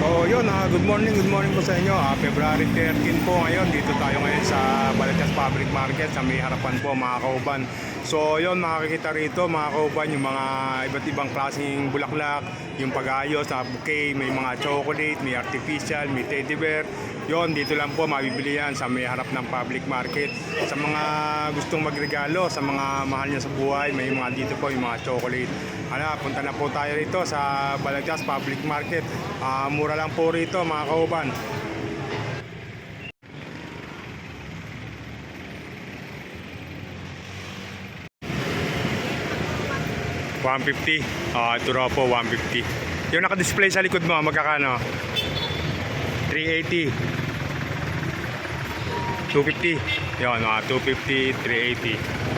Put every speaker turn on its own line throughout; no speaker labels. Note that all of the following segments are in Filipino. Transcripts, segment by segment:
So yun, good morning po sa inyo. February 13 po ngayon. Dito tayo ngayon sa Balagtas Public Market sa may harapan po mga kauban. So yun, makikita rito mga kauban yung mga iba't ibang klaseng bulaklak, yung pag-ayos na bouquet, may mga chocolate, may artificial, may teddy bear. Yun, dito lang po mabibili yan sa may harap ng public market. Sa mga gustong magregalo, sa mga mahal niya sa buhay, may mga dito po yung mga chocolate. Punta na po tayo rito sa Balagtas Public Market. Mura lang po rito mga kauban. $150. Ito raw po, $150. Yung naka-display sa likod mo, magkakano? $380. $250. Yun, $250, $380.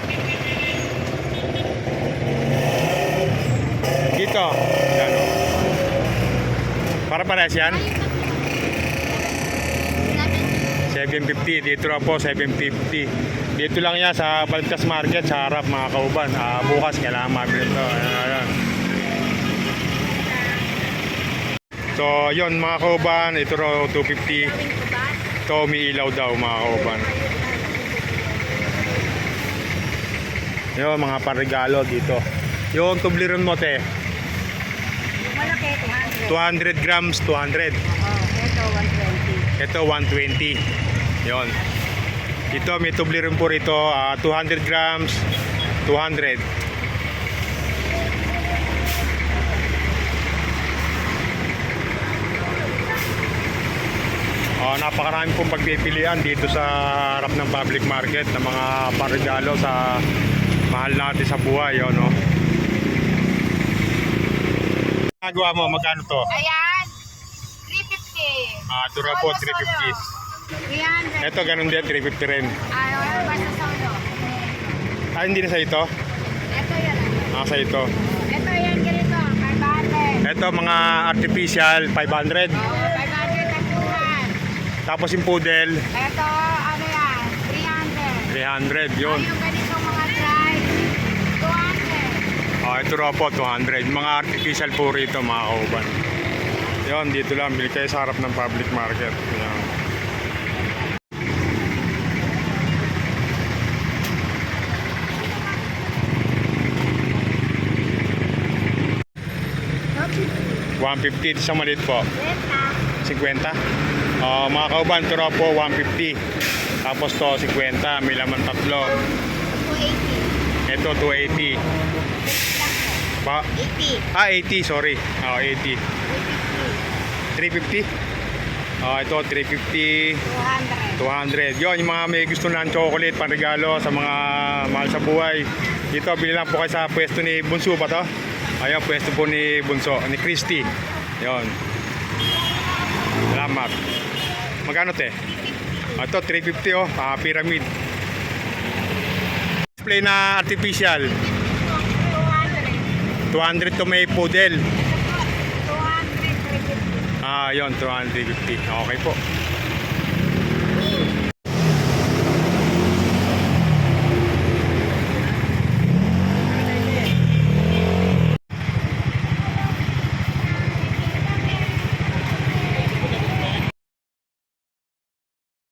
Dito. Yan, para parehas yan? $750. Dito na po, $750. Dito lang yan sa Balagtas Market, sa harap mga kauban. Bukas kailangan mabili ito. Ayan. So, yun mga kauban. Ito raw, $250. Ito, may ilaw daw mga kauban. Yun, mga parigalo dito. Yung tubliron mo, te.
Malaki,
200 grams, 200.
Ito, 120.
Ito, 120. Yon. Ito, may tublirin po rito. 200 grams, 200. Napakarami pong pagpipilian dito sa harap ng public market ng mga parigalo sa mahal natin sa buhay. Yun, no? Nagawa mo, magkano to?
Ayan, 350.
Ito na po, 350.
300.
Ito, ganun din, 350 rin.
Wala ba sa solo?
Hindi na sa ito?
Ito yan.
Sa ito.
Ito yan, ganito, 500.
Ito, mga artificial, 500.
500 at 200.
Tapos yung poodle,
Ito, ano yan, 300.
300. Yun.
Yung ganito mga dry, 200.
Ito raw po, 200. Mga artificial po rito, mga kauban. Yun, dito lang. Bili kayo sa harap ng public market. Yan. $150. Ito sa maliit po. 50. Mga kauban, ito raw po, 150. Tapos to, 50. May laman tatlo.
280.
Ito, 280. Pa
80.
80, sorry. 80. 350. Ito, 350.
200.
200. Yun, yung mga may gusto ng chocolate, panregalo sa mga mahal sa buhay. Dito, bili lang po kayo sa pwesto ni Bunso ba to? Ayun, pwesto po ni Bunso, ni Christy. Yun. Salamat. Magkano te? Ito, 350 oh. Pyramid. Display na artificial. 200 to may poodle.
200. 350.
Yun, 250. Okay po.